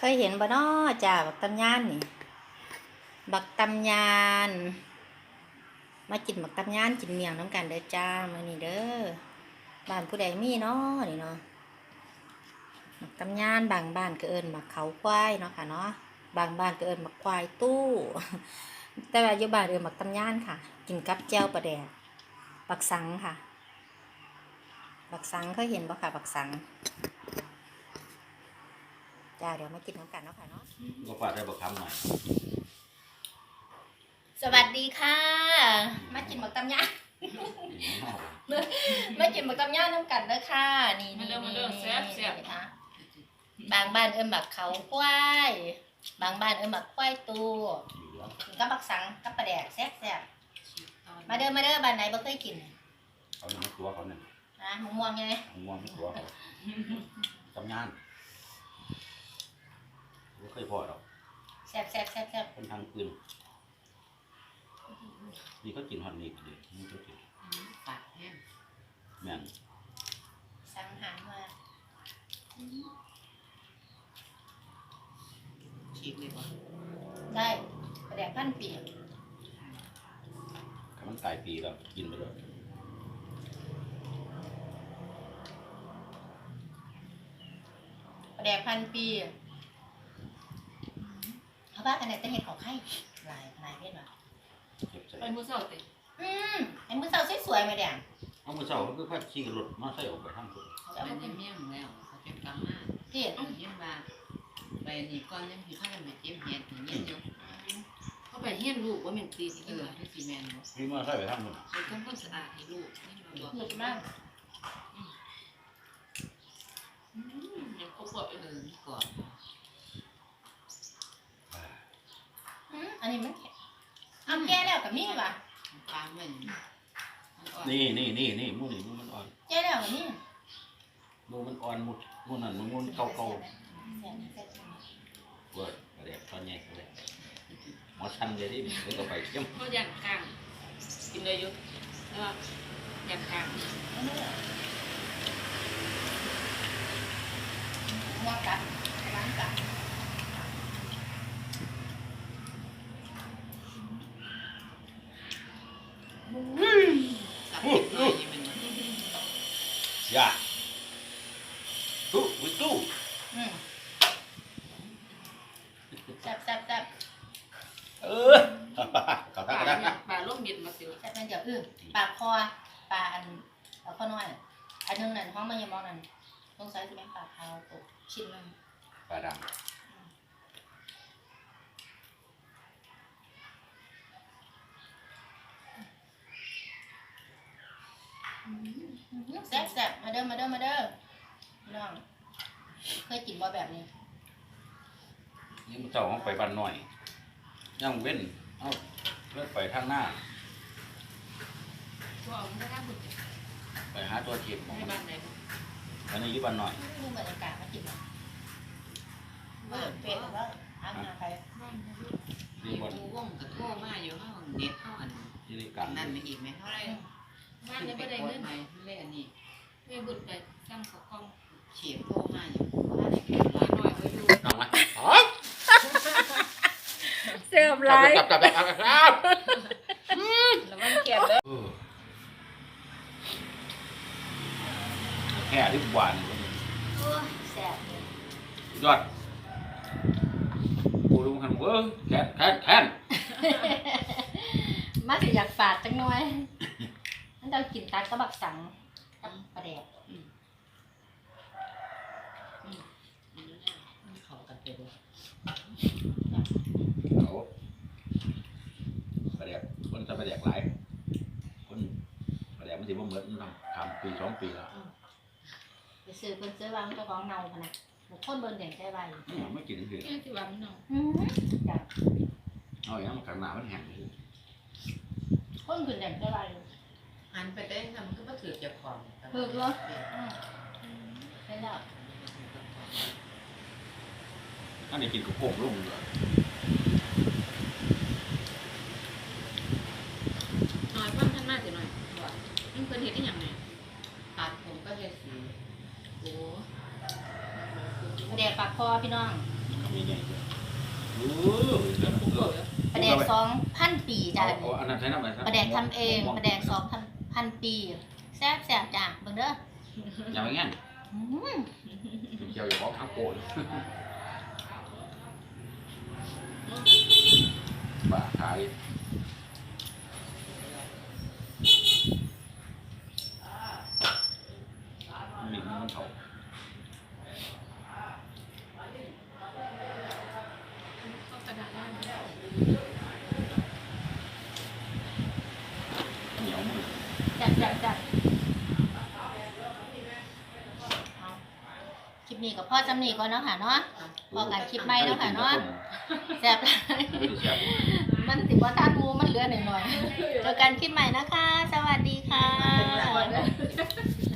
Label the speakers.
Speaker 1: เคยเห็นบ่น้อจ้าบักตำยานนี่บักตำยานมากินบักตำยานกินเมี่ยงน้ำกันเด้อจ้ามื้อนี้เด้อบ้านผู้ใดมีเนาะนี่เนาะบักตำยานบางบ้านก็เอิ้นบักเขาควายเนาะค่ะเนาะบางบ้านก็เอิ้นบักควายตู้ แต่ว่าอยู่บ้านเอิ้นบักตำยานค่ะ กินกับแจ่วปลาแดกบักสังค่ะบักสังเคยเห็นบ่ค่ะบักสังจ้าเดี๋ยวมากินน้ำกันเนาะค่ะเนาะ
Speaker 2: ก็ฝากได้บอกคำหน่อย
Speaker 1: สวัสดีค่ะมากินหมึกตำยามากินหมึกตำยาน้ำกันเด้อค่ะนี่นี่นี่ค่ะบางบ้านเอิ้นบักเขาควายบางบ้านเอิ้นบักควายตูกินกับบักสังกับปลาแดกแซ่บๆมาเด้อบ้านไหนบ่เคยกิน
Speaker 2: เขาเนี่ยตัวเขาเนี่ย
Speaker 1: นะมะม่วงไง
Speaker 2: ง่วงไม่ตัวเขาทำงานไม่เคยพอหรอก
Speaker 1: แซ่บ
Speaker 2: เป็นทางปืนนี่ก็กินฮอตนี่ดีนี่ก็กิน
Speaker 3: ปากแห้ง
Speaker 2: แม่น
Speaker 1: สังหารมา
Speaker 3: ฉีกเลยบ่
Speaker 1: ได้ปลาแดกพันปี
Speaker 2: ถ้ามันตายปีแล้วกินไปเลย
Speaker 1: ปลาแดกพันปีเขาว่ากันไหนแต่เห็ดของไข่หลายเพศว่ะ
Speaker 2: เก็บใส่
Speaker 3: ไปมื้อเช้าติ
Speaker 1: ไอ้มือเสาสวยๆมาแดง
Speaker 2: เอามือเช้าก็คือพัดขี่รถมาใส่ออกไปทางคน
Speaker 1: เขา
Speaker 3: ไป
Speaker 1: เอามา
Speaker 3: ใน
Speaker 1: กิน
Speaker 3: เมี่ยงแล้วเขาเก็บกลางมา
Speaker 1: เห็ด
Speaker 3: เอาเยี่ยมบาไปนี่ก่อนยังสิพากันไปเก็บเห็ดนี่อยู่เขาไปเฮียนลูกว่าแม่นตีที่ที่สิแม่นบ่
Speaker 2: พี่มาใส่ไปทางคน
Speaker 3: ไปทำความสะอาดให้ลูกนี่มาบอก
Speaker 1: เห็ดมาก
Speaker 3: ยังครบบ่ก่อน
Speaker 1: อันนี้มันเอาแก่แล้วกับมีว่ะ
Speaker 3: ปลามัน
Speaker 2: นี่มูนี่มูมันอ่อน
Speaker 1: แก่แล้วกับมี
Speaker 2: มูมันอ่อนมูนั่นมูเก่าเวิร์ดเรียกตอนใหญ่เลยหมอชันเลยดิไม่ต้องไปเยี่ยม
Speaker 3: เขาย่างกลางกินได้อยู่แล้วย่างกลาง
Speaker 1: มอกัดล้างกัด
Speaker 3: สับเล็กน้อยนี่มัน
Speaker 2: อย่าตู้วิตู้
Speaker 1: แซ่บ
Speaker 2: เออขอ
Speaker 3: ป
Speaker 2: ทัก
Speaker 3: ลา
Speaker 2: กันนะ
Speaker 3: ปลาล่มเย็นมาสิ
Speaker 1: แซ่บนั่นเดี๋ยวปลาคอปลาอันเอาข้อน้อยอันนึงนั่นห้องมันยังมองนั่นต้องใช้ที่เป็นปลาขาวตกชิ้นนึง
Speaker 2: ปลาดำ
Speaker 1: แซ่บมาเด้อน้องเคยกินบ่แบบนี้
Speaker 2: นี่มันเจ้าของไปบ้านหน่อยย่างเว้นเอาเลือกไปทางหน้า
Speaker 3: ตัวเอาไม่ได้บุญ
Speaker 2: ไปหาตัวเก็บของ
Speaker 3: ใน
Speaker 2: มัน
Speaker 3: บ้านไหน
Speaker 2: อันนี้อยู่บ้านหน่อย
Speaker 1: ดูบรรยากาศมากินนะเปิดเป็ดแล้วอาบน้ำไป
Speaker 3: บ้าน
Speaker 2: นี่
Speaker 3: มี
Speaker 2: บน
Speaker 3: กูว่องกับโทรมาอยู่ห้องเน็ตห้องอัน
Speaker 2: ที่นี่กัน
Speaker 3: นั่นอีกไหมเท่าไรบ้านนี้ไม่ได้เงินไหนเล่นอันนี้ไม่บุญไปสร้างของกองเฉียบโทรมาอยู่บ้านไหนกินร้านหน่อยไว้ดู
Speaker 2: น้องไหม
Speaker 1: เสียบไร
Speaker 2: จับครับ
Speaker 1: แล้วมันเขียนเลย
Speaker 2: แค่ที่หวาน
Speaker 1: แซ่บเลย
Speaker 2: ยอดกูลุงหันเว้ยแค้น
Speaker 1: มาสิอยากฝาดจังหน่อยนั่นเรากินตัดกระบักสังกับปลาแดก
Speaker 3: เขากันไปดู
Speaker 2: เขาประเดี๋ยวคนจะประเดี๋ยวหลายคนประเดี๋ยวมันสิบ่เหมือนทำปี2 ปีแล้ว
Speaker 1: ไปซื้อเพิ่นซื้อวางเจ้าของเนาพะนะบุคคลเบิ่งแดงใจไว
Speaker 2: ไม่กินคือ
Speaker 3: นี่ที่ว่ามันน้อง
Speaker 1: จ้ะ
Speaker 2: เอาอย่างมันกันหนามันแห้ง
Speaker 1: คนขึ้นแดงใจไว
Speaker 3: หันไปได้ทำมันก็มาถือเจ้าของ
Speaker 1: ใช่แล้ว
Speaker 2: อันนี้กินกับโป่งลุ่มเลย
Speaker 3: หน่อยฟังท่านมากสิหน่อยว่ามันเป็นเหตุได้ยังไงตัดผมก็เลยสีโอ้
Speaker 1: ปลาแดกปากคอพี่น้อง
Speaker 2: เใหญ่ๆโอ้ยเดี๋ยวนะเออ
Speaker 1: ปลาแดก2,000 ปีจ้า
Speaker 2: เอาอันนั้นใช้น้ำอะไร
Speaker 1: ปลาแดกทำเองปลาแดก2,000 ปีแซ่บจ้าเบิ่งเด้อ
Speaker 2: อย่าไปงั้น
Speaker 1: อืม
Speaker 2: เกี่ยวอย่าบอกทั้งโกนบ้าขายมีมันเขา
Speaker 3: ก็กระดาษได้
Speaker 2: เหนียวมือ
Speaker 1: จัดคลิปนี้กับพ่อจำนี่ก่อนเนาะค่ะเนาะพอกันคลิปใหม่เนาะค่ะเนาะแซ่บหลาย
Speaker 2: ไม่ได้แซ่บ
Speaker 1: มันสิบ่ทันหมูมันเหลือหน่อยๆเจอกันคลิปใหม่นะคะ สวัสดีค่ะ